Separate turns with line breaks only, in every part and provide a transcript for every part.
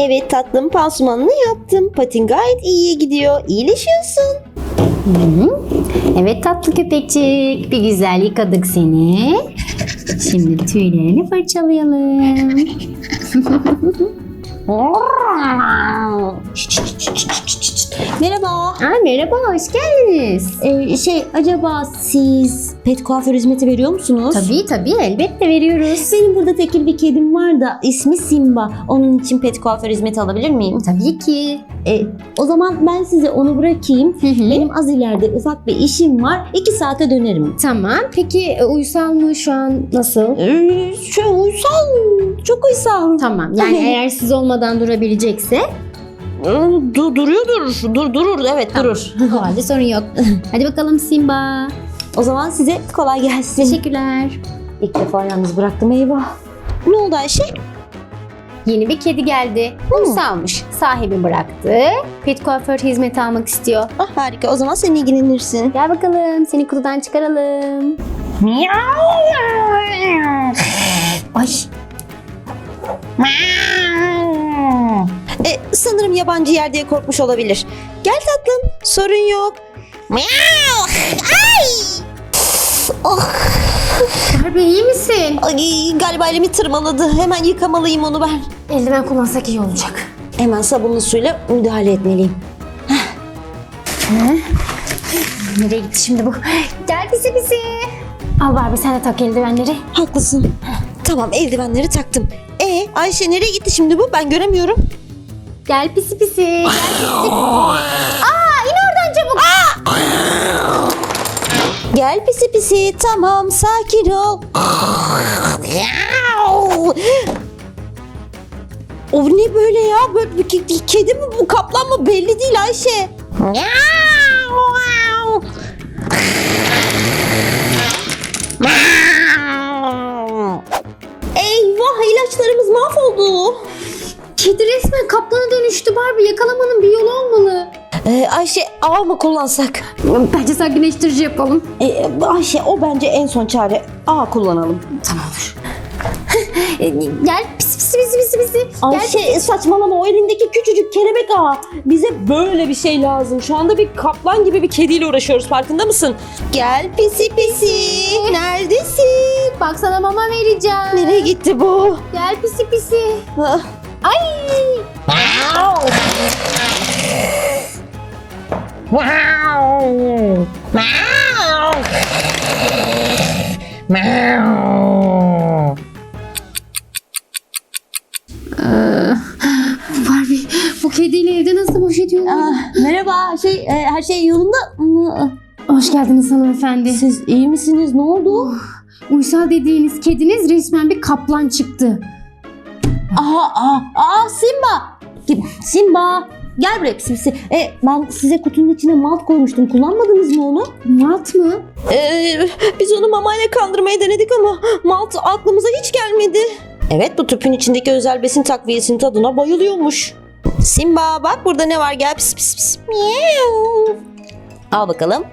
Evet tatlım, pansumanını yaptım. Patin gayet iyiye gidiyor. İyileşiyorsun.
Evet tatlı köpekçik. Bir güzel yıkadık seni. Şimdi tüylerini fırçalayalım.
Merhaba.
Merhaba, hoş geldiniz.
Acaba siz pet kuaför hizmeti veriyor musunuz?
Tabii elbette veriyoruz.
Benim burada tekil bir kedim var da ismi Simba. Onun için pet kuaför hizmeti alabilir miyim?
Tabii ki.
O zaman ben size onu bırakayım. Benim az ileride ufak bir işim var. 2 saate dönerim.
Tamam. Peki uysal mı şu an nasıl?
Uysal. Çok uysal.
Tamam. Yani eğer siz olmadan durabilecekse
Durur. Evet
tamam.
durur.
O halde sorun yok. Hadi bakalım Simba.
O zaman size kolay gelsin.
Teşekkürler.
İlk defa yalnız bıraktım, eyvah. Ne oldu Ayşe?
Yeni bir kedi geldi. Uysalmış. Sahibi bıraktı. Pet kuaför hizmeti almak istiyor.
Harika, o zaman sen ilgilenirsin.
Gel bakalım. Seni kutudan çıkaralım. Ay.
Sanırım yabancı yer diye korkmuş olabilir. Gel tatlım, sorun yok. Ay!
Barbie iyi misin?
Ay, galiba elimi tırmaladı. Hemen yıkamalıyım onu ben.
Eldiven kullansak iyi olacak.
Hemen sabunlu suyla müdahale etmeliyim.
Nereye gitti şimdi bu? Gel pisi. Al Barbie sen de tak eldivenleri.
Haklısın. Tamam, eldivenleri taktım. Ayşe nereye gitti şimdi bu? Ben göremiyorum.
Gel pisi. Gel pisi. İn oradan çabuk.
Gel pisi pisi, tamam sakin ol. O ne böyle ya? Böyle bir kedi mi bu, kaplan mı belli değil Ayşe. Eyvah, ilaçlarımız mahvoldu.
Kedi resmen kaplana dönüştü Barbie. Yakalamanın bir yolu olmalı.
Ayşe, ağ mı kullansak?
Bence sakinleştirici yapalım.
Ayşe, o bence en son çare. Ağ kullanalım.
Tamamdır. Gel pisi.
Ayşe saçmalama, o elindeki küçücük kelebek ağı. Bize böyle bir şey lazım. Şu anda bir kaplan gibi bir kediyle uğraşıyoruz, farkında mısın? Gel pisi pisi. Neredesin?
Bak sana mama vereceğim.
Nereye gitti bu?
Gel pisi.
Ah.
Ay. Barbie bu kediyle evde nasıl baş ediyorlar?
Merhaba, her şey yolunda mı?
Hoş geldiniz hanımefendi.
Siz iyi misiniz? Ne oldu?
Uysal dediğiniz kediniz resmen bir kaplan çıktı.
Simba. Gel buraya pisi pisi. Ben size kutunun içine malt koymuştum. Kullanmadınız mı onu?
Malt mı?
Biz onu mamayla kandırmayı denedik ama malt aklımıza hiç gelmedi. Evet, bu tüpün içindeki özel besin takviyesinin tadına bayılıyormuş. Simba bak burada ne var, gel pis pis pis. Miau. Al bakalım.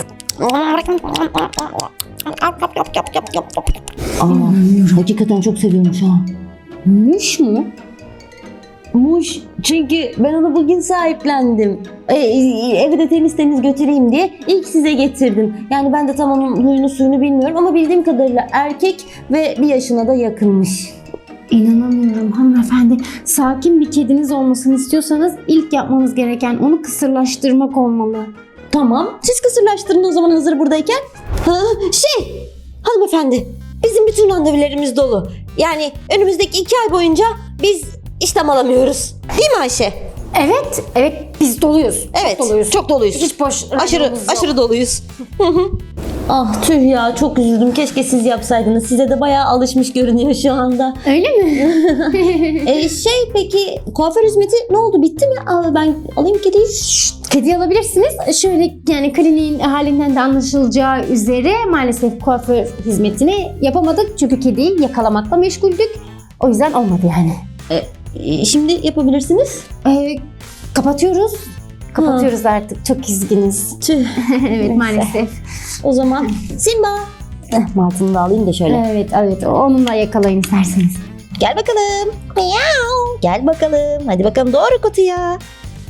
Hakikaten çok seviyormuş ha.
Muş mu?
Muş, çünkü ben onu bugün sahiplendim. Evi de temiz götüreyim diye ilk size getirdim. Yani ben de tam onun huyunu suyunu bilmiyorum ama bildiğim kadarıyla erkek ve 1 yaşına da yakınmış.
İnanamıyorum hanımefendi. Sakin bir kediniz olmasını istiyorsanız ilk yapmanız gereken onu kısırlaştırmak olmalı.
Tamam, siz kısırlaştırın o zaman hazır buradayken. Hanımefendi, bizim bütün randevularımız dolu. Yani önümüzdeki 2 ay boyunca biz işlem alamıyoruz. Değil mi Ayşe?
Evet biz doluyuz.
Evet, çok doluyuz.
Hiç boş
Aşırı doluyuz. Ah tüh ya, çok üzüldüm. Keşke siz yapsaydınız. Size de bayağı alışmış görünüyor şu anda.
Öyle mi?
Peki kuaför hizmeti ne oldu? Bitti mi? Ben alayım kediyi.
Kedi alabilirsiniz. Şöyle yani kliniğin halinden de anlaşılacağı üzere maalesef kuaför hizmetini yapamadık. Çünkü kediyi yakalamakla meşguldük. O yüzden olmadı yani.
Şimdi yapabilirsiniz.
Kapatıyoruz. Kapatıyoruz artık. Çok üzgünüz.
Tüh.
Evet maalesef.
O zaman Simba. Maltını da alayım da şöyle.
Evet onunla yakalayın isterseniz.
Gel bakalım. Miau. Gel bakalım. Hadi bakalım doğru kutuya.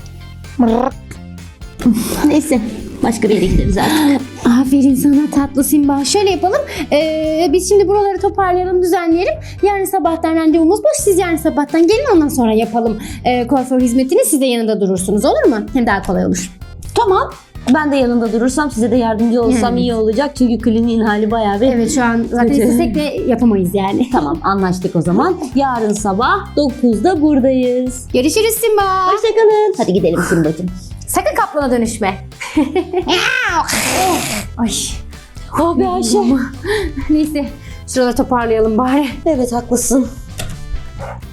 Neyse. Başka bir yere gideriz artık.
Aferin sana tatlı Simba. Şöyle yapalım. Biz şimdi buraları toparlayalım, düzenleyelim. Yarın sabahtan randevumuz boş. Siz yarın sabahtan gelin, ondan sonra yapalım kuaför hizmetini. Siz de yanında durursunuz, olur mu? Hem daha kolay olur.
Tamam. Ben de yanında durursam, size de yardımcı olsam iyi olacak. Çünkü kliniğin hali bayağı bir...
Evet, şu an zaten
Kötü.
istesek de yapamayız yani.
Tamam, anlaştık o zaman. Yarın sabah 9'da buradayız.
Görüşürüz Simba.
Hoşçakalın. Hadi gidelim Simbacığım.
Sakın kaplana dönüşme. Ay.
Oh be Ayşe.
Neyse, şuraları toparlayalım bari.
Evet, haklısın.